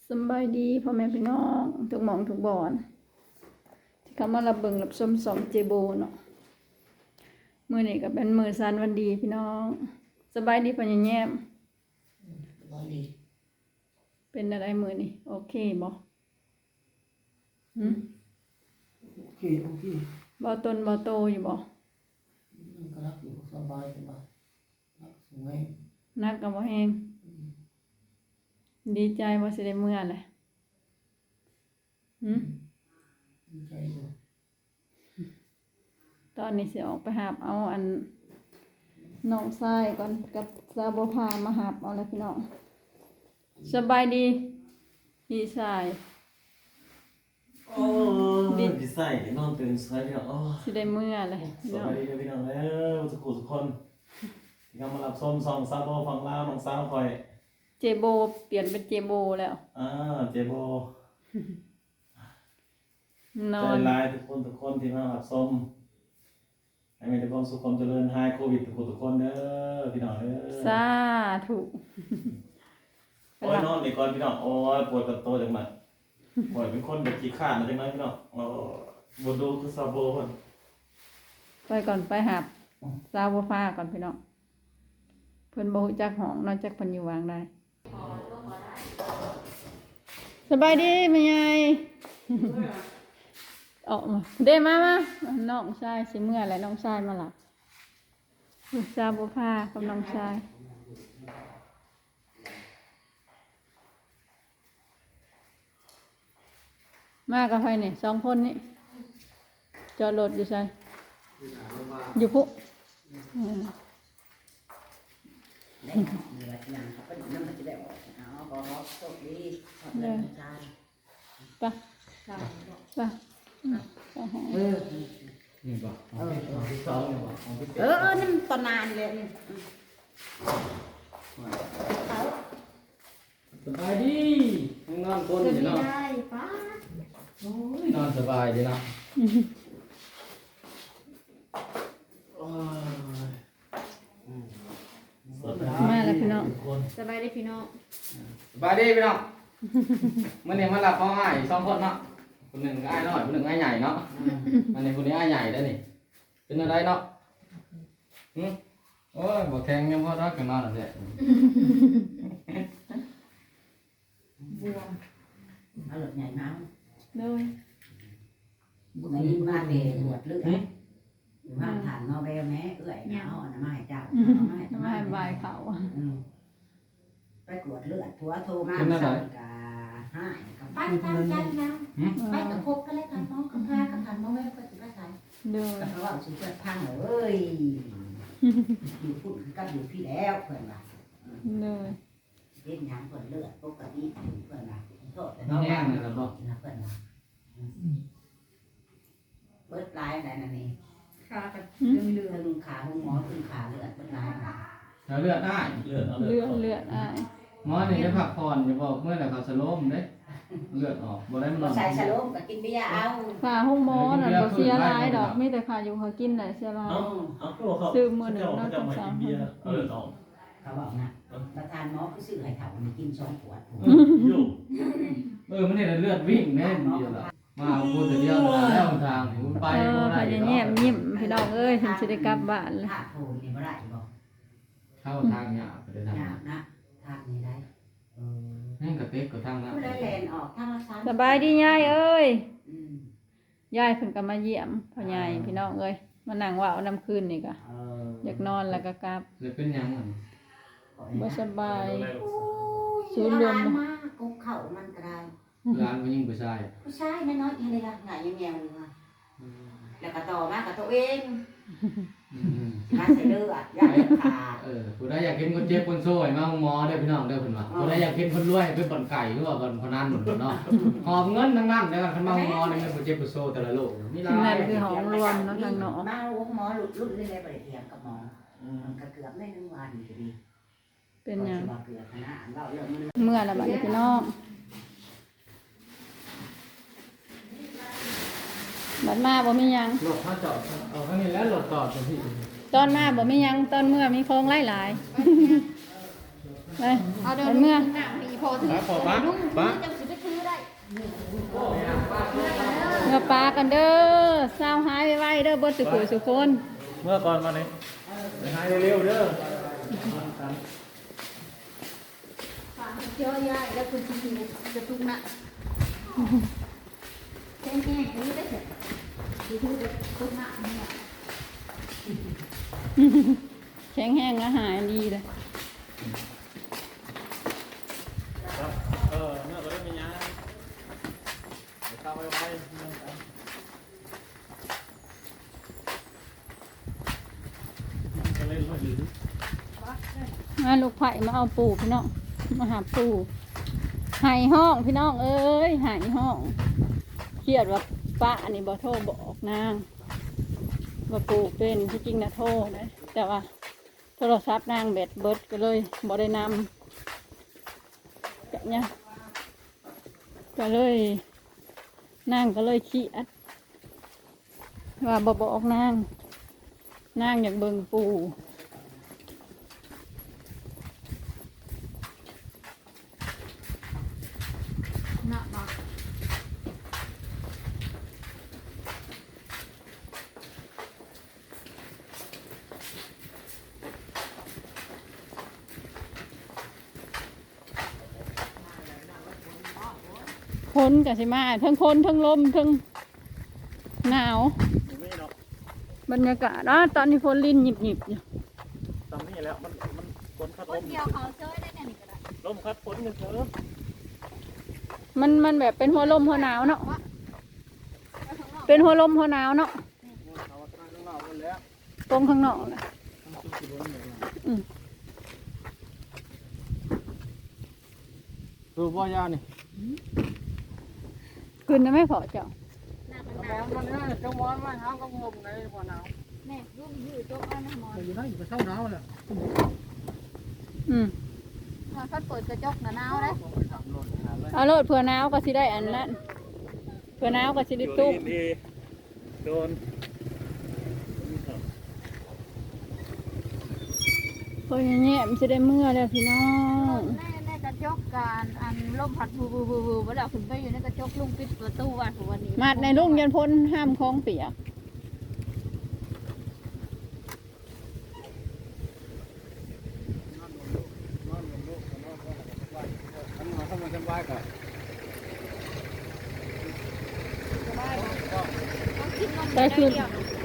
สำบายดีพ่อแม่พี่น้องทุกหม่องทุกบ่อนที่เขามารับเบิ่งรับชมสองเจโบเนาะมื้อนี้ก็เป็นมื้อสันวันดีพี่น้องสบายดีพ่อแย้มวันดีเป็นอะไรมื้อนี้โอเคบ่หึโอเคโอเคบ่ตนบ่โตอยู่บ่มันก็รักอยู่สบายสบายรักสวยนักก็บ่แฮงดีใจบ่สิได้มื้อแหละหึดีใจอยู่ตอนนี้สิออกไปหาบเอาอันน้องชายก่อนกับสาวบ่พามาหาบเอาแล้วพี่น้องสบายดีพี่ชายโอ้ยดีใส่นอนตื่นสายพี่น้องโอ้ยสิได้มื้อแหละสพี่น้อวังสดีพี่น้องแล้วทุกคนที่กำลังรับชมซองซาโบฟังลาวน้องสาวคอยเจโบเปลี่ยนเป็นเจโบแล้วเจโบนอใจนลายทุกคนที่มารับชมให้มีแต่ความสุขความเจริญหายโควิดทุกคนเด้อพี่น้องเด้อสาธุโอ้ยนอนดีก่อนพี่น้องโอ้ยปวดกระโตจังมันปวดเป็นคนแบบขี้ข้านมาจังไหนพี่น้องโอ้บดูคือซาโบคนไปก่อนไปหาบสาวบ่พาก่อนพี่น้องเพิ่นบ่ฮู้จักห้องนอกจากเพิ่นอยู่วางได้สบายดีแม่ใหญ่ออกมาเด้มาน้องชายสิเมื่อแหละน้องชายมาหลับสาวบ่พากับน้องชายมากับใครนี่2คนนี่จอดรถอยู่ไสอยู่พุอืมได้เหนื่อยอย่างเขาก็นั่งมันจะได้ออกเอาขอรับโชคดีขอบคุณอาจารย์ไปไปนี่ป่ะของที่สองนี่ป่ะของที่เจ็ดนี่มันตอนนานเลยนี่เขาสบายดีนอนคนอยู่เนาะได้ป้าโอ้ยนอนสบายดีเนาะมาแล้วพี่น้องสบายดีพี่น้องสบายดีพี่น้องมื่อนี้มาหลับพ่ออ้ายสองคนเนาะคนหนึ่งอ้ายน้อยคนหนึ่งอ้ายใหญ่เนาะอันนี้คนนี้อ้ายใหญ่ได้อนี่เป็นอะไรเนาะโอ้ยบอกแข็งยังพอรักกันนอนอะไรบวมเอาหลบใหญ่น้เลยำบุญยินบ้านเดบวชเลือดอยู่ห้างฐานนอเวลแม่เอื้อยเอาอันนั้นมาให้เจ้าเอามาให้ทำไมบายเขาไปกวดเลือดผัวโทรมาสั่งกาให้กับไปตามใจนะไปกับคบกันเลยกันน้องกับพากับผ่านน้องไม่ได้ไปถึงได้ไหนเลยกับเขาว่าสุดยอดพังเลยอยู่พุ่นก็อยู่พี่แล้วเพื่อนว่าเลยเป็นยังเพื่อนเลือดปกติเพื่อนว่าโทษแต่น้องแห้งเลยครับพ่อนะเพื่อนว่าเบิดลายอะไรนั่นนี่ค่ะกับถึงขาหงหมอถึงขาเลือดเบิดลายแล้วเลือดอ้ายเลือดเอาเลือดอ้ายหมอนี่จะพักผ่อนอย่าบอกเมื่อไหร่เขาสโลมเด้เลือดออกบ่ได้มันนก็อนใส่สโลมก็กินเบียร์เอาขาห้องหมอน่ะบ่เสียหลายดอกมีแต่ขาอยู่เขากินน่ะเสียหลายเอาตัวเขาจะมากินเบียร์เอาเลือดออกเขาบอกนะประธานหมอผู้ซื้อให้เขามีกิน2 ขวดอยู่มันเนี่ยเลือดวิ่งแน่นเดียวละมาพูดแต่เดียวแล้วทางนี่มันไปเอบ่อได้พยายามยิ้มพี่น้องเอ้ยฉันสิได้กลับบ้านเลยถ้าโทรนี่บ่ได้บอกเข้าทางยากไปได้ทางยากนะทางนี้ได้นั่นกระเต็กกับทางนั้นผู้ใดแลนออกทางละ3 สบายดียายเอ้ยอืมยายเพิ่นก็มาเยี่ยมพ่อใหญ่พี่น้องเอ้ยมานั่งว่าเอาน้ำคืนนี่ก็อยากนอนแล้วก็กลับเลยเป็นยังมันบ่สบายศูศูนนย์ย์รรววมมมากกุ๊กเข่ามันก็ได้ร้านมันยิ่งผู้ชายผู้ชายน้อยๆยังไงล่ะหงายแมวเลยว่ะแล้วก็ต่อมากับตัวเอง มาใส่เลือดยาเลือดขาดผู้ใดอยากเห็นคนเจ็บคนโซ่มาหมอได้พี่น้องได้เพิ่นว่าผู้ใดอยากเห็นคนรวยเป็นบ่อนไก่หรือว่าบ่อนพนันเนาะหอบเงินทั้งนั้นแล้วคันมาหมอนี่มันบ่เจ็บบ่โซ่แต่ละโลกมีหลานั่ยนคือห้องรวมเนาะทางเนาะมาลูกหมอหลุดรุ่นเลยไปเทียมกับหมอมันก็เกือบได้1 วันอยู่ดีเป็นหยังเกือบนะเล่าเรื่องมันเมื่อละบัดนี้พี่น้องบัดมาบ่มีหยังรถถ้าจอดเอาข้างนี้แล้วรถจอดจังซี่ตอนมาบ่มีหยังตอนเมื่อมีของหลายไปเอาเดิไปนเมื่อหน้ามีพอถึงพอปะปะจะสิไปซื้อได้เมื่อปลากันเด้อสาวหายไว้เด้อเบิดสุขุสุคนเมื่อก่อนมาเลยไปหายเร็วๆเด้อฝากเที่ยวยายแล้วคุณสิจะทุกหน้าแค่นี้ได้เสร็จสิทุกหน้าเนี่ยแข็งแห้งอาหารดีเลยครับเมื่อก็ได้มีงานเดี๋ยวเข้าไว้ก็เล่นมาอยู่มาลูกไผ่มาเอาปูพี่น้องมาหาปูหายห้องพี่น้องเอ้ยหายห้องเครียดว่าป้าอันนี้บ่โทรบอกนางว่าปูเป็นที่จริงนะโทรนะแต่ว่าโทรศัพท์นางแบตเบิดก็เลยบ่ได้นำแบบเนี้ยก็เลยนางก็เลยเครียดว่าบ่บอกนางอยากเบิ่งปูหน้ามาพ้นกับสิมาทั้งคนทั้งลมทั้งหนาวไม่เนาะบรรยากาศตอนนี้ฝนลิ้นหยิบอยู่ตอนนี้แล้วมันฝนคัดคลนมเดียวเขาเจอได้แน่นี่ก็ได้ลมคัดฝนกันเถอะมันแบบเป็นหัวลมหัวหนาวเนาะไปข้างนอกเป็นหัวลมหัวหนาวเนาะเอาทางข้างนอกหมดแล้วตรงข้างนอกน่ะอืมคือพ่อยานี่คืนจะไม่พอเจ้าหน้าตะข้างหมน้าอนมันเนี่ยจังหวอนมาหาก็งมในบ่อหนาวแม่ลูกยืดโจ๊กเอาหน้ามอนอยู่ได้อยู่เท่าหนาวแหละอืมมอนเขาเปิดกระจกหนาวเลยเอาโลดเผื่อหนาวก็สิได้อันนั้นเผื่อหนาวก็สิได้ตุ้มดีโดนเพื่อแง่มันจะได้เมื่อแล้วพี่น้องในกระจกการอันลมพัดบูเวลาคุณไปอยู่ในกระจกลุงปิดประตูวันนี้มาดในรุ่งยันพ้นห้ามคล้องเปียกทำมาสบายกันได้คืน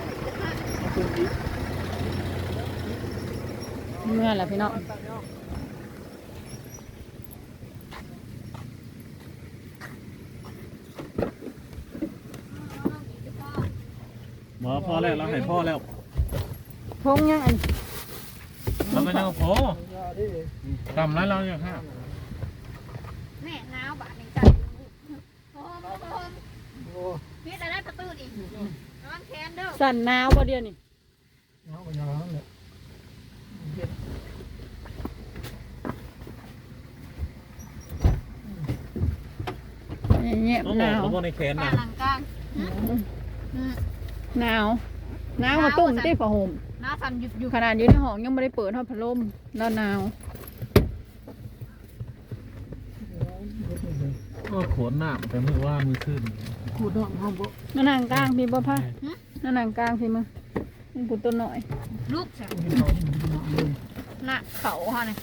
เมื่อแล้วพี่น้องหมอพ่อแล้วเราให้พ่อแล้วพงยังอันเราก็ยังพอทำไรเราอย่างห้าแม่หนาวบาดในใจโอ้พี่แต่ได้ประตูอีกน้องแคนเด้อสั่นหนาวบ่เดียวนี่หนาวก็หนาวเลยเงียบต้องหบอกนาวเขาบอกในแขนกลานะงหลังกลางหนาวมาตุ่มตีผ้าห่มหน้าสั่นหยุดอยู่ขนาดอยู่ในห้องยังไม่ได้เปิดทอดพัดลมแล้วหนาวก็ขนหน้าแต่มือว่ามือขึ้นนั่นนางกลางพี่บ่พ่ะนั่นนางกลางพี่มึงมึงกูตัวหน่อยลูกสั่นหน้าเขาฮะเนี่ย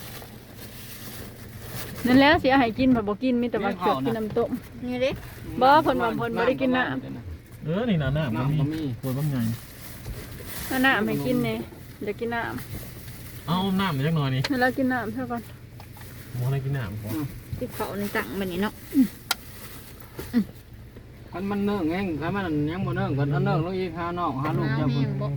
นั่นแล้วเสียหายกินผัดบ่กินมีแต่ว่าเกือบกินน้ำต้มนี่ดิบ่เพิ่นว่าเพิ่นบ่ได้กินน้นี่นะหน้ามันมีปวดบ้างไงำน้ำให้กินเนี่ยเดี๋ยวกินน้เอาหน้ามันจักหน่อยนี่ำให้เรากินน้ำเท่าก่อนหมออะไรกินหน้าผมที่เขาในตังแบบนี้เนาะคันมันเนิ่งเองคันมันยังบ่เนิ่งกันเนิ่งลงอีกหาน้องหาลูกจะบ่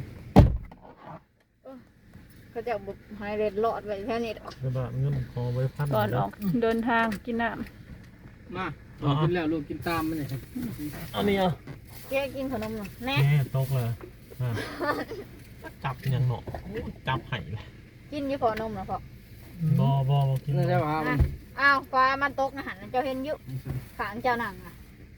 เขาจะบุกไฮเรดหลอดไว้แค่นี้กระบะเงินคอไว้พันก่อนออกเดินทางกินน้มากินแล้วลูกกินตามมันนี่อันนี้อ่ะแกกินขนมหน่อยแน่แม่ตกเลยจับยังหนอจับไห่เลยกินยี่ขอนมนะพ่อบอกินนี่ใช่ป่ะมันอ้าวฟ้ามันตกนะหันเจ้าเห็นยุขางเจ้าหนังอ่ะ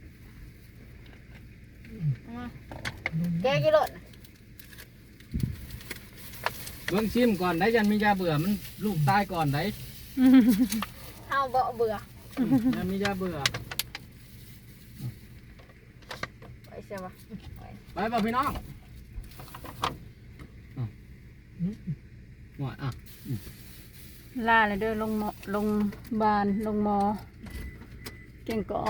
แกกินรถเบิ่งชิมก่อนได้ยันมียาเบื่อมันลูกตายก่อนได้เฮาบ่เบื่อแล้วมียาเบื่อไปเสียวะไปบ่พี่น้องหน่อยอ่ะล่าเลยเด้อลงหมอลงบานลงหมอเก่งก็ออก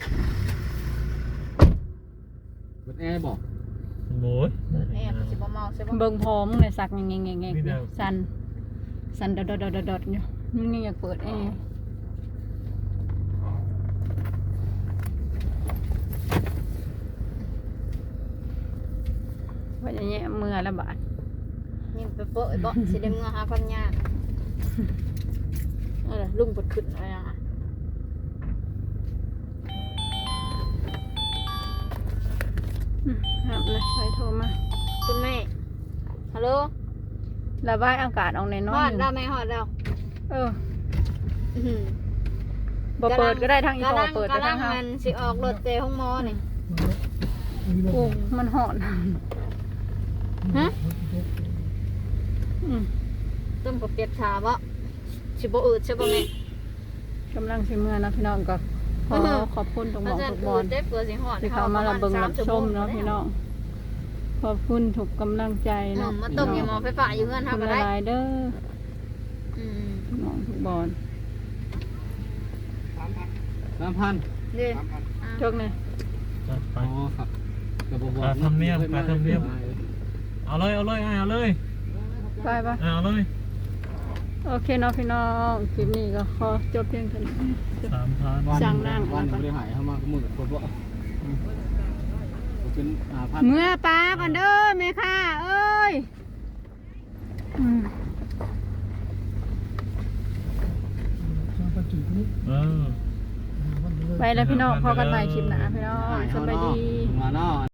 เปิดแอร์บอกโอ้ยเปิดแอร์สิบ่เมาใช่บ่เบิ่งพร้อมเลยสักแงงๆๆสั่นดดๆๆๆอยู่มันยังอยากเปิดแอร์ว่าอย่างเงี้ยเมื่อละบาทนี่ไปโปะไอ้บ่สิได้เมื่อหาพันยากเออลุงปวดขึ้นอะไรอ่ะครับเลยใครโทรมาคุณแม่ฮัลโหลระบายอากาศออกในน้อฮยอดแล้วแม่ฮอดแล้วเอออื้อหือบ่เปิดก็ได้ทางอีพอเปิดก็กำลัทาง งเฮามันสิออกรถเตะห้องหมอนี่โอ้มันหอนฮะอืมต้มกับเปียกชาบ่สิบ่อืดใช่บ่แม่กำลังสิเมื่อนะพี่น้องก็ขอขอบคุณทุกหมองทุกบอลเด็กเปิดสิฮอดที่เขามารับเบิ่งรับชมเนาะพี่น้องขอบคุณทุกกำลังใจเนาะมาต้มยาหมอไฟฟ้าอยู่เฮือนขอบเฮาคุก็ณได้หลายเด้ออืมพี่น้องทุกบอล 3,000 เด้จกเนี่ยจัดไปอ๋อครับกระบอกปลาทำเนียมปลาทำเนียม เอาเลยเอาเลยเอาเลยไปปะเอาเลยโอเคเนาะพี่น้องคลิปนี้ก็ขอจบเพียงเท่านี้ 3,000 สั่งนั่งวันบ่ได้หายเฮามาก็มือกับบ่เป็น5,000 เมื่อปลาก่อนเด้อแม่ค่ะเอ้ยอืมเออไปแล้วพี่น้องพอกันใหม่คลิปหน้าพี่น้องสบายดีมาเนาะ